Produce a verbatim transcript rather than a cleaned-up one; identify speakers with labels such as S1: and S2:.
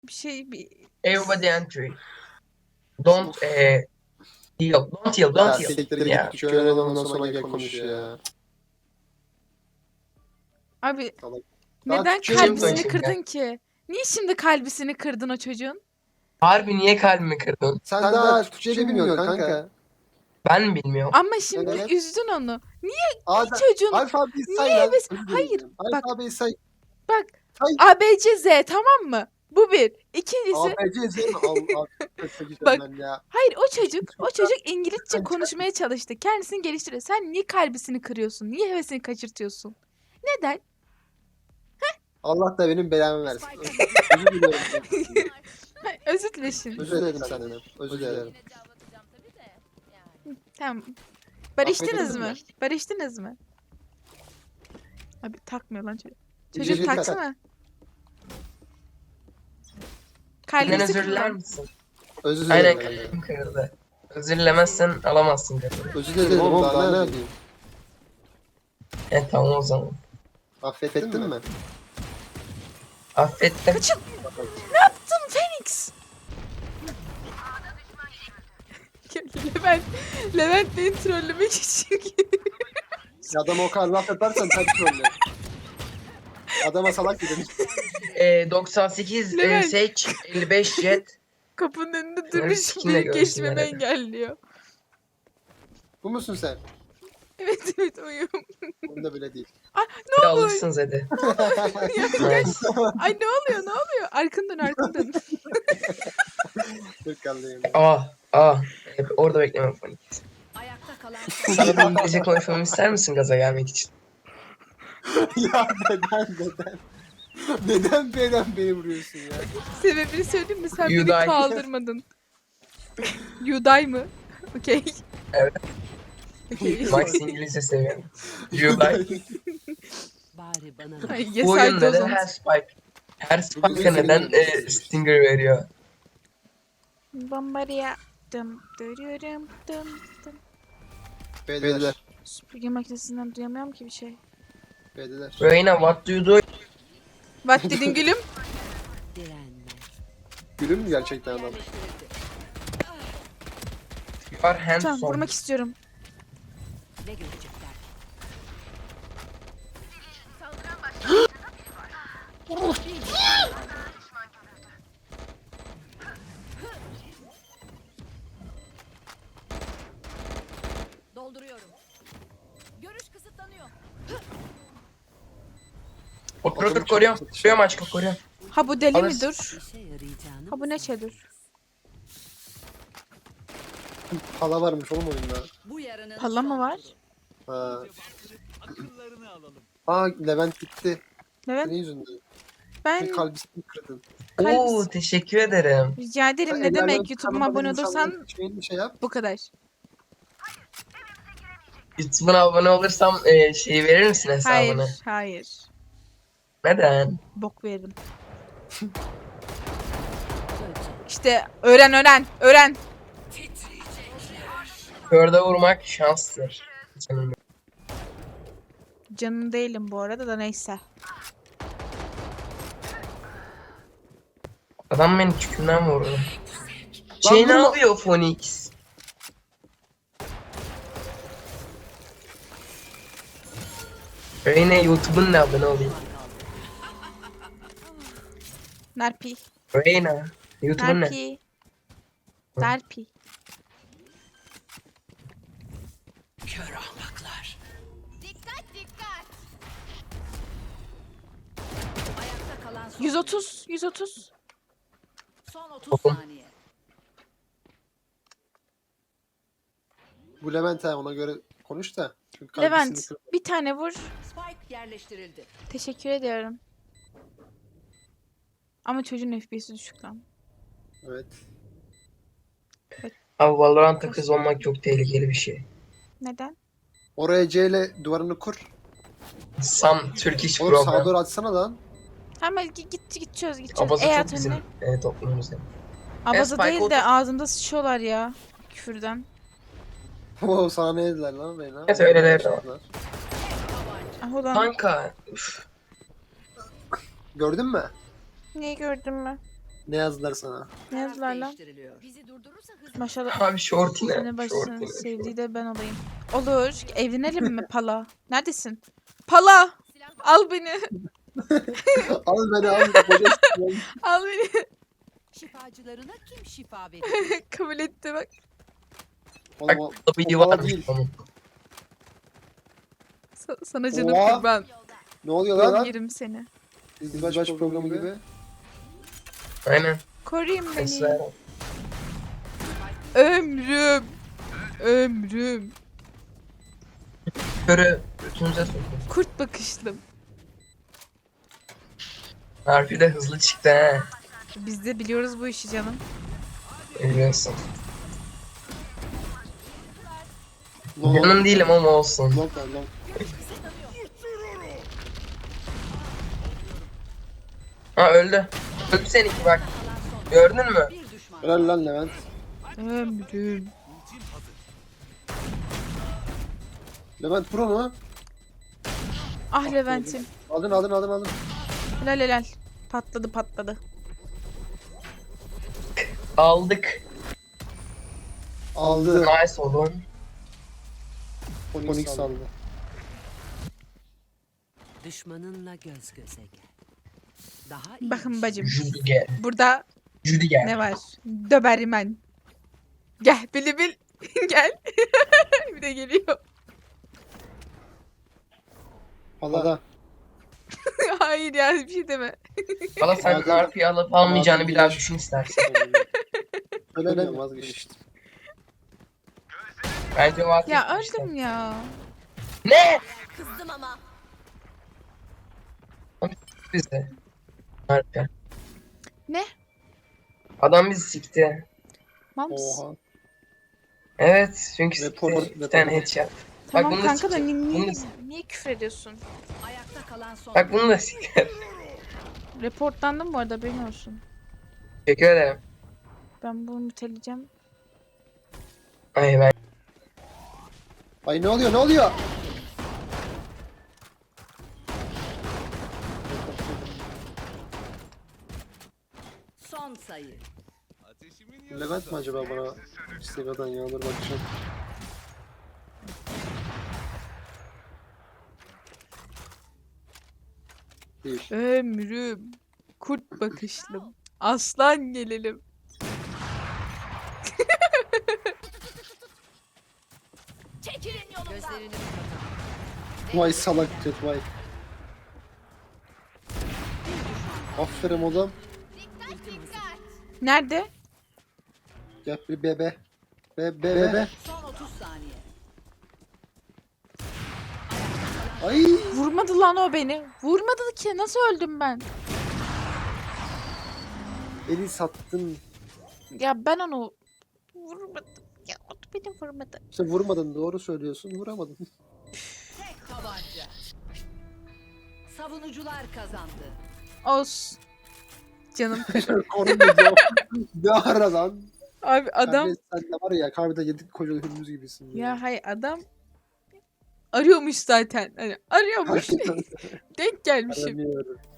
S1: bir şey bir
S2: Everybody entry. Don't eh heal. Don't heal.
S3: Ya
S2: Don't heal.
S3: siktir
S2: Yeah.
S3: git. Şöyle ondan sonra gel konuş ya.
S1: abi
S3: Salak.
S1: neden
S3: Türkçe
S1: kalbisini
S2: konuşayım
S1: kırdın ki? Niye şimdi kalbisini kırdın o çocuğun?
S2: Harbi niye kalbimi kırdın?
S3: Sen daha Türkçe de bilmiyorsun kanka.
S2: Ben mi bilmiyorum?
S1: Ama şimdi
S3: Evet.
S1: üzdün onu. Niye
S3: Ada,
S1: çocuğun?
S3: alfabeyi say
S1: Niye
S3: lan.
S1: heves-
S3: Özür
S1: Hayır,
S3: dilerim.
S1: bak.
S3: Alfabeyi say.
S1: Bak
S3: Say.
S1: A B C Z tamam mı? Bu bir. İkincisi
S3: A B C Z mi? Allah
S1: Bak.
S3: ben ya.
S1: hayır o çocuk o çocuk İngilizce
S3: Sen-
S1: konuşmaya çalıştı. Kendisini geliştiriyor. Sen niye kalbisini kırıyorsun? Niye hevesini kaçırtıyorsun? Neden?
S3: Allah da benim belamı versin. Özür dilerim.
S1: Hayır, özür dile şimdi.
S3: Özür dilerim senden. Özür dilerim.
S1: Tamam. Barıştınız
S3: Affediniz
S1: mı?
S3: mi?
S1: Barıştınız mı? Abi takmıyor lan çocuk.
S3: Bir
S1: Çocuk
S3: şey tak.
S1: taksana.
S2: Benden
S1: Kalbisi
S2: özür diler
S1: kırılan.
S2: misin?
S3: Özür
S2: Aynen
S3: dilerim.
S2: kalbim kırıldı. Özür dilemezsen alamazsın dedim.
S3: Özür dilerim oğlum daha ne yapayım?
S2: E tamam o zaman.
S3: Affettin mi?
S2: Affettim.
S1: Kaçın. Ne yaptın Phoenix? Levent, Levent beni trollemek için
S3: Adama o kadar laf yaparsan tabii trolle. Adama salak dedim.
S2: E, doksan sekiz e,
S1: Levent.
S2: seç, elli beş jet.
S1: kapının önünde
S2: Bunları
S1: durmuş
S2: sikinle
S1: benim
S2: görsünler
S1: geçmemi
S2: hadi.
S1: engelliyor.
S3: Bu musun sen?
S1: Evet evet uyum.
S3: Bunda bile değil.
S2: Bir alırsınız hadi. Nice.
S1: Ay ne oluyor ne oluyor? Arkandan arkandan.
S3: Kırkallıyım.
S2: Ah ah. Hep orada bekleme Fonik.
S4: Ayakta kalan
S2: Sana bir İngilizce konuşmamı ister misin gaza gelmek için?
S3: Ya neden neden? Neden neden beni vuruyorsun ya?
S1: Sebebini söyleyeyim mi? Sen
S2: You
S1: beni
S2: die.
S1: kaldırmadın. You die mı? Okey.
S2: Evet.
S1: Okey.
S2: Max İngilizce seviyorum. You like.
S4: bari bana
S1: Ay,
S2: Bu
S1: yes,
S2: oyun
S1: I
S2: neden
S1: don't.
S2: her spike? Her
S3: Bugün
S2: spike'a
S3: senin
S2: neden
S3: oyunun
S2: e, Stinger veriyor?
S1: Bombardiya. Dım dırırım dım dım.
S3: Beyler.
S1: Süpürge makinesinden duyamıyorum ki bir şey.
S3: Beyler.
S2: Reyna what do you do?
S1: What dedin gülüm?
S4: direnme.
S3: Gülüm mü gerçekten adam?
S2: You are handsome.
S1: Tamam vurmak istiyorum.
S4: Ne görecekler? Dolduruyorum. Görüş kısıtlanıyor.
S2: Otur otur koruyorum. Koruyorum aşkım koruyorum.
S1: Ha bu deli mi
S2: Alırsın.
S1: dur?
S4: İşe yarayacağını
S1: Ha bu ne çedir?
S3: Pala varmış oğlum oyunda.
S4: bu yarının
S1: Pala mı var?
S3: Ha. Aa Levent gitti.
S1: Evet
S3: Senin yüzünden.
S1: ben
S3: Senin kalbisini kırdın.
S1: Kalbis-
S2: Oo teşekkür ederim.
S1: rica ederim
S3: Sen
S1: ne
S3: el
S1: demek
S3: alem
S1: YouTube'uma
S3: tanımadığın
S1: abone olursan
S3: insanların şeyini şey yap.
S1: bu kadar.
S2: YouTube'una abone olursam e, şeyi verir misin hesabını?
S1: Hayır hayır.
S2: Neden?
S1: Bok veririm. İşte öğren öğren öğren.
S2: Körde vurmak şanstır. Canım.
S1: Canım değilim bu arada da neyse.
S2: Adam beni tükümden vurdu. Şey ne
S3: vurma.
S2: yapıyor Phoenix? Reyna YouTube'un ne abone olayım?
S1: Narpi.
S2: Reyna YouTube'un ne?
S1: Narpi. Narpi.
S4: kör ahmaklar. Ayakta kalan son
S1: yüz otuz yüz otuz.
S4: son otuz
S2: Oğlum.
S4: saniye.
S3: Bu Levent ha ona göre konuş da. Çünkü kalbisini
S1: Levent
S3: kırdın.
S1: bir tane vur.
S4: Spike yerleştirildi.
S1: Teşekkür ediyorum. Ama çocuğun F P S'i düşük lan.
S3: Evet.
S2: Abi Valorant'ta kız olmak çok tehlikeli bir şey.
S1: Neden?
S3: Oraya C ile duvarını kur.
S2: Some Turkish
S3: Oğlum sağa
S2: program.
S3: doğru atsana lan.
S1: Hemen git git git çöz git çöz.
S2: Abaza
S1: E
S2: çok
S1: at
S2: bizim
S1: önüne.
S2: e, toplumumuzda.
S1: Abaza
S2: Spike
S1: değil
S2: otur.
S1: de ağzımda sıçıyorlar ya. Küfürden.
S3: Oo sana ne dediler lan Reyna?
S2: Evet, öyleleri de var.
S1: Ah ulan.
S2: Kanka. Üf.
S3: Gördün mü?
S1: Neyi gördün mü?
S3: Ne yazdılar sana?
S1: Ne yazdılar lan?
S4: Değiştiriliyor. Bizi durdurursa hızlı.
S1: Maşallah.
S2: Abi şort
S1: Seni
S2: ne?
S1: başını
S2: Şort ne?
S1: sevdiği de ben olayım. Olur. Evlenelim mi Pala? Neredesin? Pala! Al beni.
S3: Al beni al. Koca s**eyim.
S1: Al beni.
S4: Şifacılarına kim şifa verir?
S1: Kabul etti bak.
S2: Bak
S3: Oğlum,
S2: W
S3: o bana
S2: varmış
S3: değil.
S2: onun.
S1: Sa- sana canım
S3: Oha.
S1: kurban.
S3: Ne oluyor lan?
S1: Yerim seni.
S3: İzdivaç programı gibi.
S2: Aynen.
S1: Koruyun beni.
S2: Esra.
S1: Ömrüm. Ömrüm.
S2: Körü götünüze sokun.
S1: Kurt bakışlım.
S2: Harfi de hızlı çıktı he.
S1: Biz de biliyoruz bu işi canım.
S2: Biliyorsun.
S3: Long,
S2: Yanım değilim ama olsun.
S3: long ver long.
S2: Ha öldü. Öldü seninki bak. Gördün mü?
S4: Bir düşman.
S3: Helal lan Levent.
S1: Ömrüm.
S3: Levent pro mu?
S1: Ah Levent'im.
S3: Aldın aldın aldın aldın.
S1: Helal helal. Patladı patladı.
S2: Aldık.
S3: Aldı.
S2: Nice oğlum.
S3: Onyx aldı.
S4: Düşmanınla göz göze gel. Daha iyi.
S1: Bakın bacım.
S2: Judy gel.
S1: Burada
S2: Judy gel.
S1: ne var? Döbermen. Gel bili bil. Gel. Bir de geliyor.
S3: Hala.
S1: Hayır ya bir şey deme.
S2: Valla sen harfi alıp almayacağını bir daha düşün istersen.
S3: Söylemiyorum vazgeçtim.
S2: Bence vazgeç.
S1: Ya öldüm ya.
S2: Ne?
S4: Kızdım ama.
S2: Bizi. Harfi.
S1: Ne?
S2: Adam bizi sikti.
S1: Mams.
S3: Oha.
S2: Evet çünkü
S3: Report-
S2: sikti. Bir tane
S3: report.
S2: headshot.
S1: Tamam
S2: bunu da
S1: kanka da
S2: sikecek.
S1: ni-
S2: Bunu
S1: niye,
S2: da-
S1: niye küfür ediyorsun?
S4: Ayakta kalan son.
S2: Bak bunu da sikti.
S1: Reportlandım bu arada benim olsun.
S2: Teşekkür ederim.
S1: Ben bunu müteleyeceğim.
S2: Ay ben.
S3: Ay ne oluyor ne oluyor?
S4: Son sayı.
S3: Levent mi acaba bana Instagram'dan yağdır bakacağım. Değil.
S1: Ömrüm. Kurt bakışlım. Aslan gelelim.
S4: Çekilin yolumdan. Gözlerini kapatalım.
S3: Vay salak jet vay. Aferin oğlum.
S1: Nerede?
S3: Gel bir bebe. Be be be be.
S4: Son otuz saniye.
S3: Ay.
S1: Vurmadı lan o beni. Vurmadı ki. Nasıl öldüm ben?
S3: Beni sattın.
S1: Ya ben onu vurmadım. Ya o da beni vurmadı.
S3: İşte vurmadın doğru söylüyorsun vuramadın.
S4: Tek tabanca. Savunucular kazandı.
S1: Olsun. Canım.
S3: Korun da cevap. Ne ara lan?
S1: Abi adam.
S3: Sen de, sen de var ya kahvede yedik koca hürmüz gibisin.
S1: Ya hay adam arıyormuş zaten. Hani arıyormuş. Denk gelmişim.
S3: Aramıyorum.